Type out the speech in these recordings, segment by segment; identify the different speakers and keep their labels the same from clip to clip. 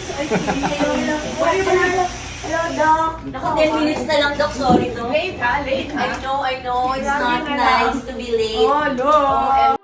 Speaker 1: I see. Hello, Doc.
Speaker 2: Naku, 10 minutes na lang, Doc. Sorry, no?
Speaker 1: Late ha, late ha.
Speaker 2: I know. It's
Speaker 1: Grabe
Speaker 2: not
Speaker 1: na
Speaker 2: nice
Speaker 1: lang.
Speaker 2: to be late.
Speaker 1: Oh, no.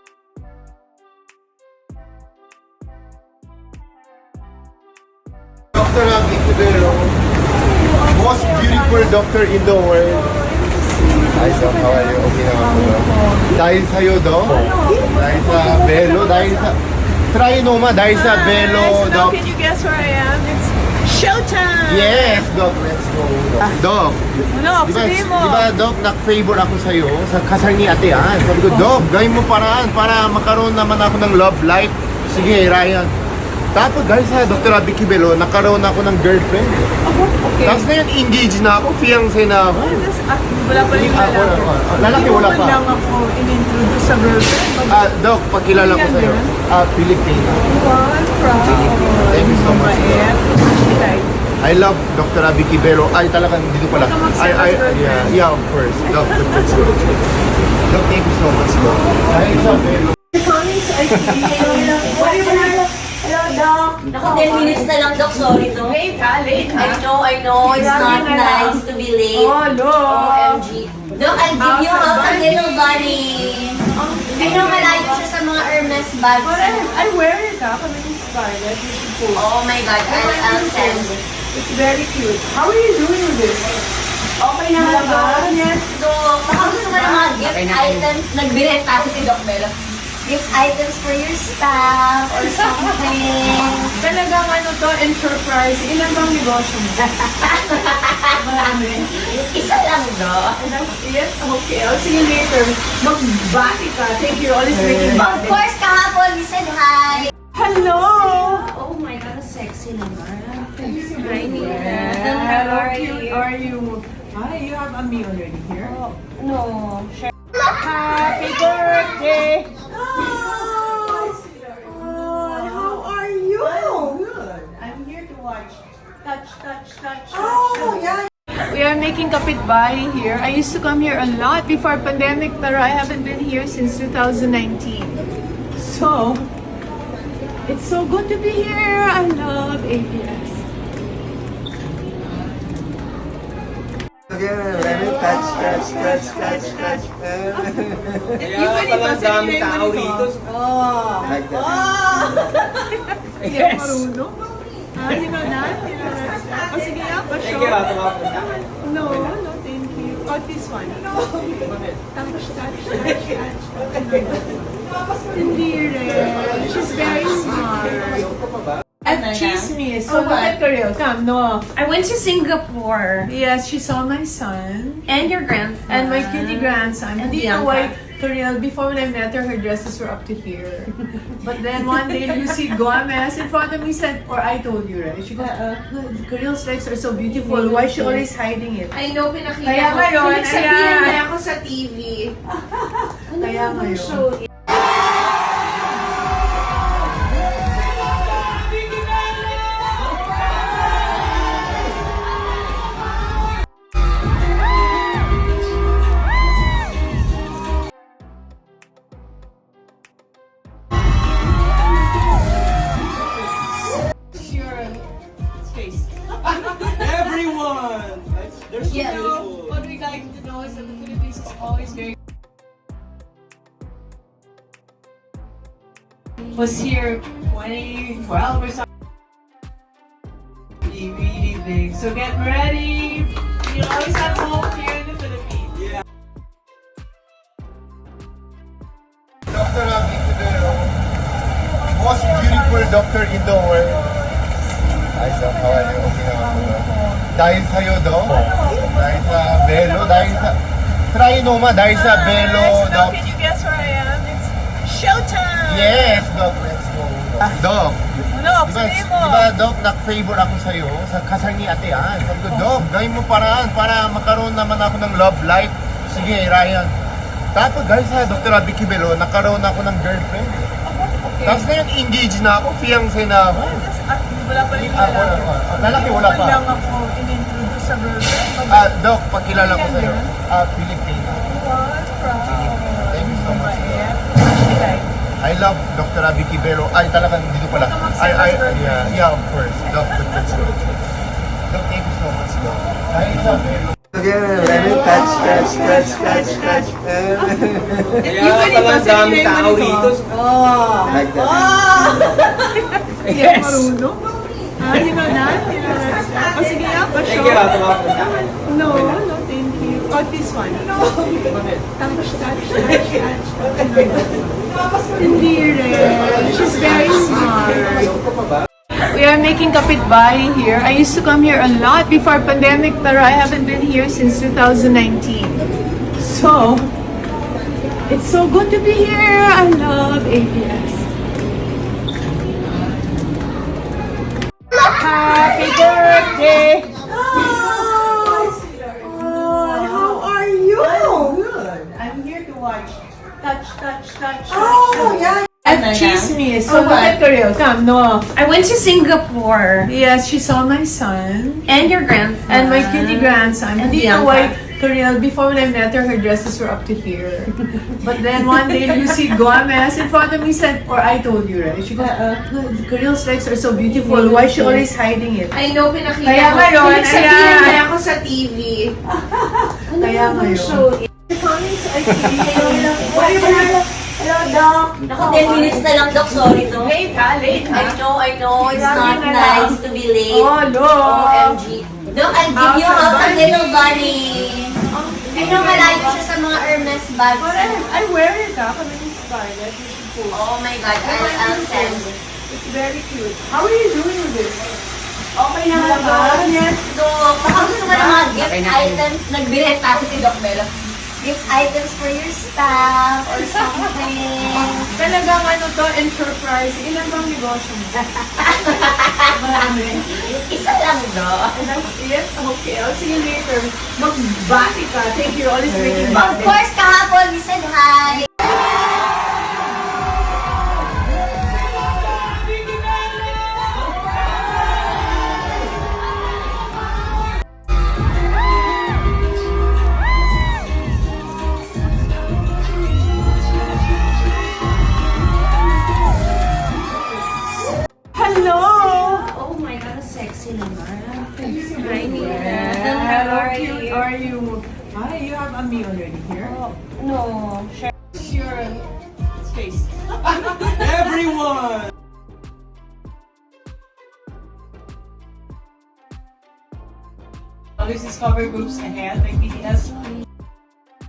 Speaker 3: Dr. Abby Cudero, most beautiful doctor in the world. Hi, Doc. How are you? Okay naman po, Doc. Dahil sa'yo, Doc. Dahil sa Belo, dahil sa Trinoma, dahil sa Belo,
Speaker 1: So now,
Speaker 3: Doc.
Speaker 1: can you guess where I am? It's showtime!
Speaker 3: Yes, Doc. Let's go, Doc. Doc,
Speaker 1: Ano, sabihin mo.
Speaker 3: di ba, Doc, nak-favor ako sa'yo sa kasal ni Ate Ann. Sabi ko, Doc, gawin mo paraan para makaroon naman ako ng love life. Sige, Ryan. Tapos dahil sa Dr. Abby Cudero, nakaroon ako ng girlfriend.
Speaker 1: Okay.
Speaker 3: Tapos ngayon, engaged na ako, fiancé na ako.
Speaker 1: Wala pa rin lalaki.
Speaker 3: Lalaki, wala pa.
Speaker 1: lang ako in-introduce sa girlfriend.
Speaker 3: Doc, pagkilala ko sa'yo. Pilipina.
Speaker 1: Wow, I'm proud.
Speaker 3: Thank you so much, Doc.
Speaker 1: Mabait.
Speaker 3: I love Dr. Abby Cudero. Ay, talagang dito pala.
Speaker 1: Huwag ka mag-send as girlfriend.
Speaker 3: Yeah, of course. Doc, let's go. Doc, thank you so much, Doc. Ay, Isabel.
Speaker 1: Hello, Doc.
Speaker 2: Naku, 10 minutes na lang, Doc. Sorry, no?
Speaker 1: Late ha, late ha.
Speaker 2: I know. It's
Speaker 1: Grabe
Speaker 2: not
Speaker 1: na lang.
Speaker 2: nice to be late.
Speaker 1: Oh, no.
Speaker 2: OMG. Doc, I'll give you a little bunny. I know malayo siya sa mga Hermes bags.
Speaker 1: But I wear it ha, kami ni Scarlett. You should post.
Speaker 2: Oh my God, I'll send.
Speaker 1: It's very cute. How are you doing with this?
Speaker 2: Okay na nga, Doc. Yes, Doc. Baka gusto mo ng mga gift items. Nagbirenta ako si Doc Bella. Gift items for your staff or something.
Speaker 1: Talagang ano to, enterprise. Ilan bang negosyo mo? Marami.
Speaker 2: Isa lang, Doc.
Speaker 1: Yes, okay. I'll see you later. Magbati ka. Thank you. Always making
Speaker 2: Of
Speaker 1: bati.
Speaker 2: course, kahapon, you said hi.
Speaker 1: Hello!
Speaker 2: Oh my God, sexy naman.
Speaker 1: Hi,
Speaker 2: Nina.
Speaker 1: Hello,
Speaker 2: How are
Speaker 1: cute.
Speaker 2: you?
Speaker 1: Are you? Hi, you have a meal already here?
Speaker 2: No.
Speaker 1: Happy birthday! How are you? Good. I'm here to watch. Touch. Yeah. We are making kapitbahay here. I used to come here a lot before pandemic, but I haven't been here since 2019. So, it's so good to be here. I love ABS.
Speaker 3: Touch.
Speaker 1: Kaya palang dami tao rito.
Speaker 3: Like that.
Speaker 1: Hindi ako marunong. Hindi mo na? O sige nga, pa-show. No, thank you. Oh, this one. Touch. Hindi rin. She's very smart. At chismis. So look at Karel. Come, no.
Speaker 4: I went to Singapore
Speaker 1: Yes, she saw my son.
Speaker 4: and your grandson.
Speaker 1: And my cutie grandson.
Speaker 4: And
Speaker 1: Hindi know
Speaker 4: Bianca.
Speaker 1: why Karel, before when I met her, her dresses were up to here. But then one day, Lucy Gomez in front of me said, or I told you, right? She goes, Karel's legs are so beautiful. Why is she always hiding it?
Speaker 4: I know, pinakita
Speaker 1: Kaya
Speaker 4: ko.
Speaker 1: ngayon,
Speaker 4: Pinagsabihan
Speaker 1: ayan.
Speaker 4: niya ako sa TV.
Speaker 1: Kaya ngayon.
Speaker 4: Show.
Speaker 5: Everyone! They're so beautiful.
Speaker 1: What we like to know is that the Philippines is always very. Was here 2012 or something. Really big. So get ready. You always have hope here in the Philippines.
Speaker 5: Yeah.
Speaker 3: Dr. Abby Cudero, most beautiful doctor in the world. Hi, Doc. How are you? Okay naman po, Doc. Dahil sa'yo, Doc. Dahil sa Belo, dahil sa Trinoma, dahil sa Belo,
Speaker 1: So now,
Speaker 3: Doc.
Speaker 1: can you guess where I am? It's showtime!
Speaker 3: Yes, Doc. Let's go, Doc. Doc,
Speaker 1: Ano,
Speaker 3: di ba,
Speaker 1: sabihin mo?
Speaker 3: Doc, nak-favor ako sa'yo sa kasal ni Ate Ann. Sabi ko, Doc, gawin mo paraan para makaroon naman ako ng love life. Sige, Ryan. Tapos dahil sa Dr. Abby Cudero, nakaroon ako ng girlfriend.
Speaker 1: Okay.
Speaker 3: Tapos ngayon, engaged na ako, fiancé na ako.
Speaker 1: Wala pa rin
Speaker 3: Wala
Speaker 1: lalaki.
Speaker 3: pa. Lalaki, wala pa.
Speaker 1: lang ako in-introduce sa girlfriend.
Speaker 3: Doc, pagkilala ko sa'yo. Pilipina.
Speaker 1: Wow, I'm proud.
Speaker 3: Thank you so much, Doc.
Speaker 1: Mabait.
Speaker 3: I love Dr. Abby Quibero. Ay, talagang dito pala. Yeah, of course. Doc, thank you so much, Doc. Hi, Isabel. Touch.
Speaker 5: Kaya pala ang dami tao dito.
Speaker 3: Like that.
Speaker 1: Yes. Marunong? You know that? You know that? Oh, sige nga,
Speaker 5: Thank
Speaker 1: pa-show.
Speaker 5: you, tumakot na.
Speaker 1: No, thank you. Oh, this one. Touch. Hindi rin. She's very smart. We are making kapitbahay here. I used to come here a lot before pandemic, pero I haven't been here since 2019. So, it's so good to be here. I love ABS. Happy birthday! How are you? Good. I'm here to watch. Touch.
Speaker 4: Oh, yeah.
Speaker 1: And chismis. So look at Karel. Come, no.
Speaker 4: I went to Singapore.
Speaker 1: Yes, she saw my son
Speaker 4: And your grandson.
Speaker 1: and my cutie grandson.
Speaker 4: And
Speaker 1: Hindi know
Speaker 4: Bianca.
Speaker 1: why Karel, before when I met her dresses were up to here. But then one day Lucy Gomez in front of me said, or I told you, right? She goes, Karel's legs are so beautiful. Why is she always hiding it?
Speaker 4: I know, pinakita
Speaker 1: Kaya
Speaker 4: ko.
Speaker 1: ngayon,
Speaker 4: Pinagsabihan
Speaker 1: ayan.
Speaker 4: niya ako sa TV.
Speaker 1: Kaya ngayon. Comments, I see.
Speaker 2: Hello, Doc. Naku, 10 minutes na lang, Doc. Sorry, no?
Speaker 1: Late ha, late ha.
Speaker 2: I know. It's
Speaker 1: Grabe
Speaker 2: not
Speaker 1: na lang.
Speaker 2: nice to be late.
Speaker 1: Oh, no.
Speaker 2: OMG. Doc, I'll give you
Speaker 1: House
Speaker 2: a
Speaker 1: of
Speaker 2: little bunny. I know, malayo siya sa mga Hermes bags.
Speaker 1: But I wear it ha. Kami inspired. You should post.
Speaker 2: Oh my God, I'll send.
Speaker 1: It's very cute. How are you doing with this?
Speaker 2: Okay naman ba? Yes, Doc. Baka gusto mo ng mga gift items. Nagbirenta ako si Doc Melo. Gift items for your staff or something.
Speaker 1: Talagang ano to, enterprise. Ilan bang negosyo mo? Marami.
Speaker 2: Isa lang, Doc.
Speaker 1: That's it? Okay, I'll see you later. Magbati ka. Thank you. Always making
Speaker 2: Of
Speaker 1: bati.
Speaker 2: course, kahapon, you said hi.
Speaker 1: Hello!
Speaker 4: Oh my God, sexy naman.
Speaker 1: Hi,
Speaker 4: How are
Speaker 1: cute.
Speaker 4: you?
Speaker 1: Are you? Hi, you have a meal already here?
Speaker 4: No.
Speaker 1: What's your space?
Speaker 5: Everyone!
Speaker 1: Always discover groups ahead, like BTS.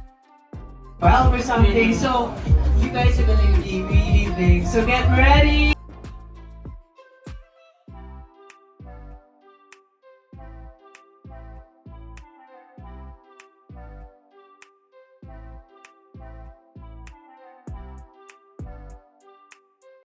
Speaker 1: Well, or something. So, you guys are gonna be really big. So get ready!